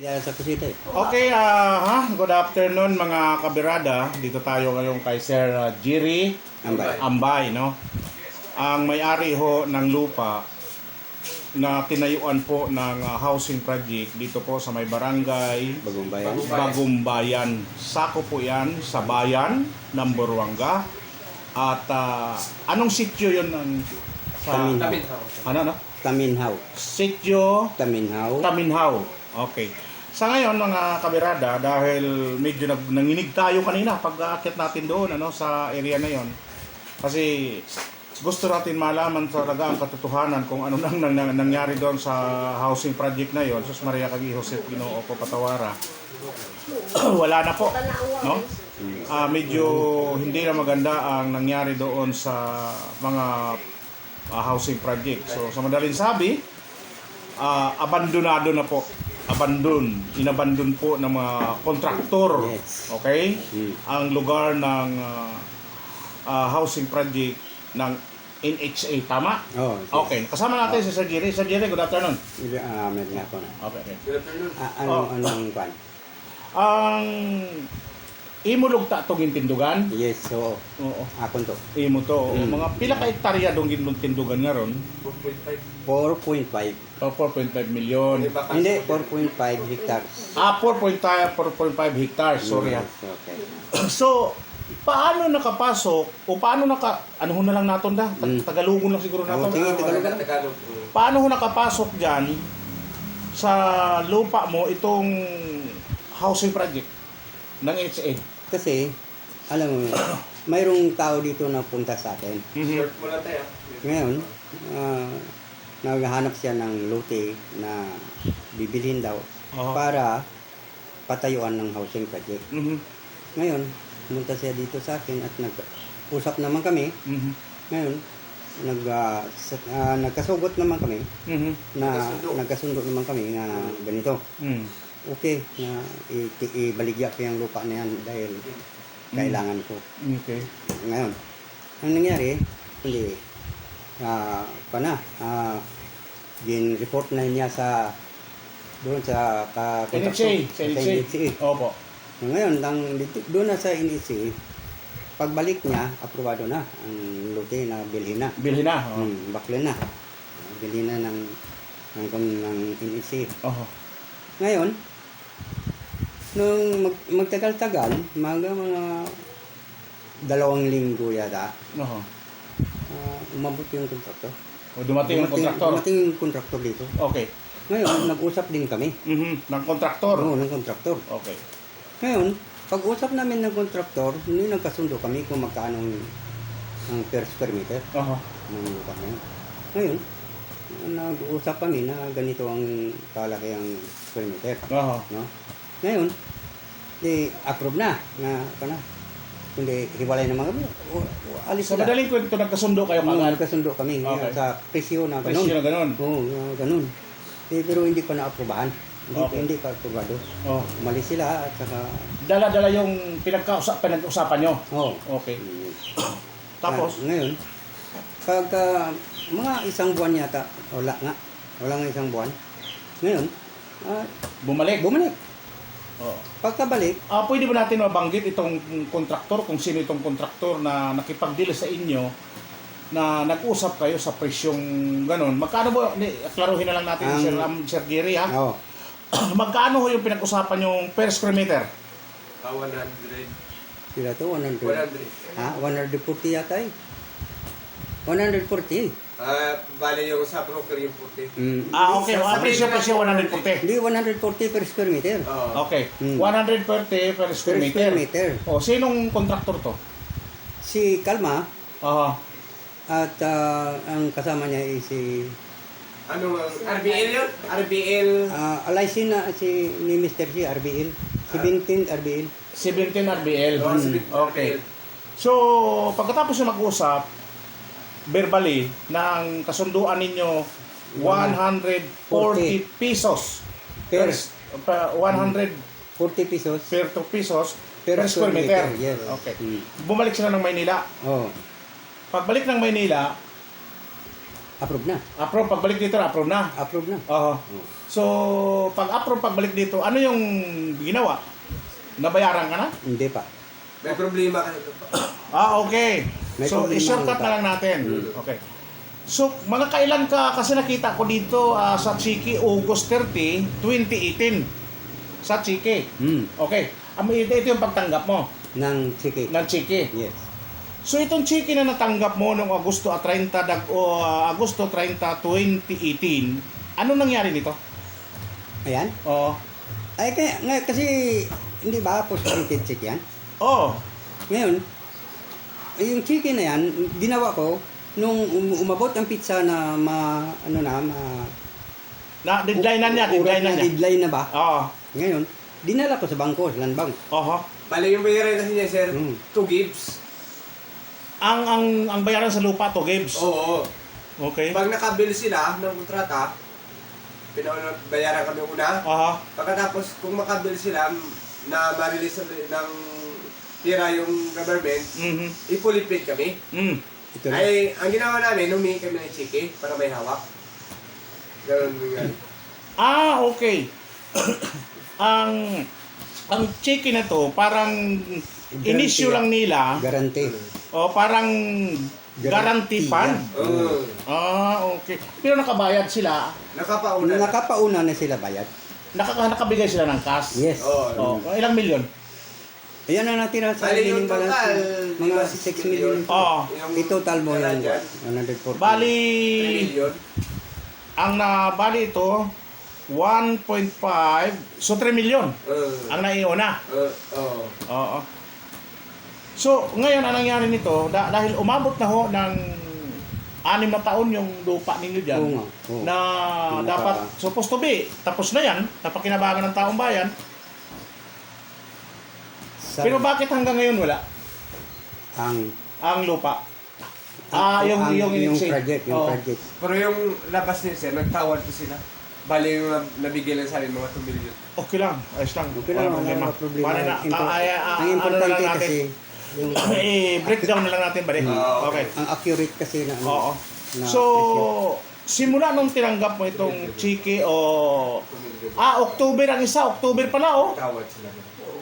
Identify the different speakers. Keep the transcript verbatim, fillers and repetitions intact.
Speaker 1: Kaya sa kusita eh.
Speaker 2: Okay, ah, ha? Good afternoon mga kabirada. Dito tayo ngayon kay Sir uh, Jerry
Speaker 1: Ambay.
Speaker 2: Ambay, no? Ang may-ari ho ng lupa na tinayuan po ng uh, housing project dito po sa may barangay
Speaker 1: Bagong bayan.
Speaker 2: Bagong Bayan. Sako po yan sa bayan ng Buruanga. At ah, anong sityo yun ng sa
Speaker 1: Taminhaw.
Speaker 2: ano no?
Speaker 1: Taminhaw.
Speaker 2: Sityo
Speaker 1: Taminhaw.
Speaker 2: Taminhaw. Okay. Sa ngayon mga kabirada, dahil medyo nag, nanginig tayo kanina pag aakyat natin doon ano, sa area na yon. Kasi gusto natin malaman talaga ang katotohanan kung ano nang, nang, nang nangyari doon sa housing project na yon. Sus Maria Kagi Joseph Ginoo ko Patawara. Wala na po, no? Ah, medyo hindi na maganda ang nangyari doon sa mga ah, housing project. So sa madaling sabi, ah, abandonado na po. Abandon, inabandon po ng mga kontraktor.
Speaker 1: Yes.
Speaker 2: Okay?
Speaker 1: Mm.
Speaker 2: Ang lugar ng uh, uh, housing project ng N H A, tama?
Speaker 1: Oh, yes.
Speaker 2: Okay, kasama natin si Sir Jerry. Sir Jerry, good afternoon.
Speaker 1: Ah, meron nga po.
Speaker 2: Okay, okay.
Speaker 1: Ah, ano,
Speaker 2: Oh.
Speaker 1: anong kwan?
Speaker 2: Ang imulog ta tong tindugan.
Speaker 1: Yes, so,
Speaker 2: Oo.
Speaker 1: akon to.
Speaker 2: Imo to,
Speaker 1: Mm.
Speaker 2: mga pila ka hektarya dong ginlong tindugan nga ron?
Speaker 1: four point five.
Speaker 2: O four point five million.
Speaker 1: Hindi, four point five hectares.
Speaker 2: Ah, four point five hectares, sorry ha.
Speaker 1: Yes, okay.
Speaker 2: So, paano nakapasok o paano naka ano ho na lang naton da? Ta-
Speaker 1: Mm.
Speaker 2: Tagalugon lang siguro
Speaker 1: Oh,
Speaker 2: naton.
Speaker 1: sige, Tagalog na.
Speaker 2: Paano ho nakapasok diyan sa lupa mo itong housing project ng N H A?
Speaker 1: Kasi, alam mo, mayroong tao dito na punta sa atin.
Speaker 2: Mhm.
Speaker 1: Ngayon, ah, naghahanap siya ng lote na bibilhin daw
Speaker 2: Oo.
Speaker 1: para patayuan ng housing project.
Speaker 2: Mhm.
Speaker 1: Ngayon, pumunta siya dito sa akin at nag-usap naman kami.
Speaker 2: Mhm.
Speaker 1: Ngayon, nag, ah, sa- ah, nagkasugot naman kami
Speaker 2: Mhm.
Speaker 1: na nagkasundo naman kami na ganito.
Speaker 2: Mhm.
Speaker 1: Okay, na i- ibaligya ko yung lupa na yan dahil kailangan ko.
Speaker 2: Okay.
Speaker 1: Ngayon, ang nangyari, hindi, ah, pa na, ah, din-report na niya sa, doon sa, ka,
Speaker 2: N H A, sa N H A. Opo.
Speaker 1: Ngayon, nang, dito- doon na sa N H A, pagbalik niya, aprobado na, ang lote na bilhin na.
Speaker 2: Bilhin na. Oh.
Speaker 1: Hmm, bakla na. Bilhin na ng, ng, ng N H A.
Speaker 2: Oho.
Speaker 1: Ngayon, nung mag, magtagal-tagal, mga mga dalawang linggo yata,
Speaker 2: Oho.
Speaker 1: ah, umabot yung kontraktor.
Speaker 2: O dumating ang kontraktor.
Speaker 1: Dumating yung kontraktor dito.
Speaker 2: Okay.
Speaker 1: Ngayon, nag-usap din kami.
Speaker 2: Mhm. Ng kontraktor.
Speaker 1: Oo, ng kontraktor.
Speaker 2: Okay.
Speaker 1: Ngayon, pag-usap namin ng kontraktor, hindi nagkasundo kami kung magkano ang ang per square meter
Speaker 2: Oho.
Speaker 1: ng lupa na yun. Ngayon, nag-usap kami na ganito ang kalaki ang square meter.
Speaker 2: Oho.
Speaker 1: No? Ngayon, di approve na na kana. Kundi hiwalay naman kami. O, o, alis
Speaker 2: Sa
Speaker 1: sila.
Speaker 2: madaling kwento, nagkasundo kayo
Speaker 1: Oo,
Speaker 2: kagad.
Speaker 1: nagkasundo kami
Speaker 2: Okay.
Speaker 1: sa presyo na ganun.
Speaker 2: Presyo na ganun.
Speaker 1: Oo, na ganun. Eh, pero hindi pa na-aprobahan. Hindi,
Speaker 2: Okay.
Speaker 1: hindi pa aprobado.
Speaker 2: Oh.
Speaker 1: Umalis sila at saka,
Speaker 2: Dala-dala yung pinagkausap, pinag-usapan nyo.
Speaker 1: oh.
Speaker 2: Okay.
Speaker 1: Mm.
Speaker 2: Tapos,
Speaker 1: Ah, ngayon, pagka mga isang buwan yata, wala nga. Wala nga isang buwan. Ngayon, ah,
Speaker 2: bumalik.
Speaker 1: bumalik.
Speaker 2: Oh.
Speaker 1: Pagkabalik,
Speaker 2: Ah, pwede ba natin mabanggit itong kontraktor, kung sino itong kontraktor na nakipag-deal sa inyo na nag-usap kayo sa presyong ganun? Magkano ba, ni, klaruhin na lang natin
Speaker 1: Ang-
Speaker 2: Sir, um, Sir Giri ha?
Speaker 1: oh,
Speaker 2: Magkano ho yung pinag-usapan yung per square meter?
Speaker 3: Ah, one hundred.
Speaker 1: sila to, one hundred.
Speaker 3: one hundred.
Speaker 1: Ha? one forty yata eh. one forty.
Speaker 3: Ah, bali yung sa broker yung puti.
Speaker 1: Mm.
Speaker 2: Ah, okay.
Speaker 3: Sa-
Speaker 2: Ang
Speaker 3: sa-
Speaker 2: presyo presyo one hundred forty.
Speaker 1: Hindi, one forty per square meter.
Speaker 3: Oo.
Speaker 2: Okay.
Speaker 1: Hmm.
Speaker 2: one hundred forty per
Speaker 1: Per
Speaker 2: square meter.
Speaker 1: square meter.
Speaker 2: O, sinong kontraktor to?
Speaker 1: Si Kalma
Speaker 2: Aha.
Speaker 1: at ah, ang kasama niya ay si
Speaker 3: Ano ang R B L yun? R B L.
Speaker 1: uh, alaysin na si ni Mister C, R B L. seventeen R B L.
Speaker 2: seventeen R B L.
Speaker 3: Oh,
Speaker 2: Hmm.
Speaker 3: seventeen
Speaker 2: Okay.
Speaker 3: R B L.
Speaker 2: So, pagkatapos na mag-usap, verbally, ng kasunduan ninyo, one hundred forty pesos per, pa- one hundred
Speaker 1: forty pesos
Speaker 2: per two pesos
Speaker 1: per,
Speaker 2: per square meter.
Speaker 1: Yes.
Speaker 2: Okay.
Speaker 1: Mm.
Speaker 2: Bumalik sila ng Maynila.
Speaker 1: Oh.
Speaker 2: Pagbalik ng Maynila,
Speaker 1: Approve na.
Speaker 2: Approve, pagbalik dito, approve na.
Speaker 1: Approve na.
Speaker 2: Oo. So, pag approve, pagbalik dito, ano yung ginawa? Nabayaran ka na?
Speaker 1: Hindi pa.
Speaker 3: May problema ka nito pa.
Speaker 2: Ah, okay.
Speaker 1: May
Speaker 2: So,
Speaker 1: problema
Speaker 2: i-shortcut
Speaker 1: ka.
Speaker 2: na lang natin.
Speaker 3: Mm.
Speaker 2: Okay. So, mga kailan ka, kasi nakita ko dito ah, sa Chiki, August thirty, twenty eighteen. Sa Chiki.
Speaker 1: Hmm.
Speaker 2: Okay. Am- Ito, ito yung pagtanggap mo
Speaker 1: Ng Chiki.
Speaker 2: ng Chiki.
Speaker 1: Yes.
Speaker 2: So, itong Chiki na natanggap mo noong Agosto thirty, dag, o, ah, Agosto thirty, twenty eighteen, ano nangyari nito?
Speaker 1: Ayan.
Speaker 2: Oo.
Speaker 1: Ay, kaya, nga, kasi, hindi ba post-dated check yan?
Speaker 2: Oo.
Speaker 1: Ngayon, eh, yung chicken na yan, ginawa ko, nung um- umabot ang pizza na ma, ano na, ma...
Speaker 2: Na, deadline na niya,
Speaker 1: urat
Speaker 2: deadline na
Speaker 1: na
Speaker 2: niya.
Speaker 1: deadline na ba?
Speaker 2: Oo.
Speaker 1: Ngayon, dinala ko sa bangko, sa land bank.
Speaker 2: Oho.
Speaker 3: Bali yung bayaran kasi niya, sir,
Speaker 1: Mm.
Speaker 3: two gives.
Speaker 2: Ang, ang, ang bayaran sa lupa to, Gibbs.
Speaker 3: Oo.
Speaker 2: Okay.
Speaker 3: Pag nakabill sila ng kontrata, pinauna bayaran kami una.
Speaker 2: Aha.
Speaker 3: Pagkatapos, kung makabill sila na ma-release ng tira yung government,
Speaker 2: Mhm.
Speaker 3: ipulipid kami.
Speaker 2: Mm.
Speaker 1: Ito na.
Speaker 3: Ay, ang ginawa namin, humingi kami ng chiki para may hawak. Ganun nga.
Speaker 2: Ah, okay. ang ang chicken na to, parang inisyu lang nila,
Speaker 1: Guarantee.
Speaker 2: o parang guarantee
Speaker 1: Guarantee
Speaker 2: fund.
Speaker 1: yan.
Speaker 3: Oo.
Speaker 2: Ah, okay. Pero nakabayad sila,
Speaker 3: Nakapauna.
Speaker 1: Nakapauna na sila bayad.
Speaker 2: nakaka nakabigay sila ng cash.
Speaker 1: Yes.
Speaker 3: Oo.
Speaker 2: Oh, ilang milyon?
Speaker 1: Ayan ang natira sa
Speaker 3: Bali
Speaker 1: remaining
Speaker 3: yung total,
Speaker 1: balance. Mga
Speaker 3: diba,
Speaker 1: six million.
Speaker 2: Oo.
Speaker 3: Yung
Speaker 1: I-total mo
Speaker 3: tira
Speaker 1: yan.
Speaker 3: dyan,
Speaker 1: one hundred forty.
Speaker 2: Bali,
Speaker 3: three million.
Speaker 2: ang nabali ito, one point five, so three million
Speaker 3: Oo.
Speaker 2: ang naiuna.
Speaker 3: Oo. Oo.
Speaker 2: Oo. So, ngayon, ang nangyari nito, da- dahil umabot na ho ng anim na taon yung lupa ninyo dyan,
Speaker 1: Oo nga. Oo.
Speaker 2: na
Speaker 1: Yung
Speaker 2: dapat,
Speaker 1: naka-
Speaker 2: supposed to be, tapos na yan, napakinabangan ng taong bayan,
Speaker 1: Sa-
Speaker 2: pero bakit hanggang ngayon wala
Speaker 1: ang
Speaker 2: ang lupa? Ah, yung,
Speaker 1: ang-
Speaker 2: yung,
Speaker 1: yung
Speaker 2: iniksi.
Speaker 1: project, yung
Speaker 2: Oo.
Speaker 1: project.
Speaker 3: Pero yung labas niya, sir, nagtawad po sila. Bali yung nab- nabigyan lang sa amin, mga two million.
Speaker 2: Okay lang, ayos lang.
Speaker 1: Okay lang,
Speaker 2: Walang
Speaker 1: wala problema.
Speaker 2: Para na,
Speaker 1: Impor-
Speaker 2: ah, ay, ah,
Speaker 1: ang
Speaker 2: ano na
Speaker 1: importante
Speaker 2: lang natin,
Speaker 1: kasi, yung,
Speaker 2: i-breakdown na lang natin ba rin?
Speaker 3: Ah,
Speaker 2: Okay.
Speaker 1: ang accurate kasi na, ano,
Speaker 2: Oo.
Speaker 1: na
Speaker 2: So,
Speaker 1: presyo.
Speaker 2: simula nung tinanggap mo itong Chiki o...
Speaker 3: two million.
Speaker 2: Ah, October ang isa. October pala, oh.
Speaker 3: Tawad sila.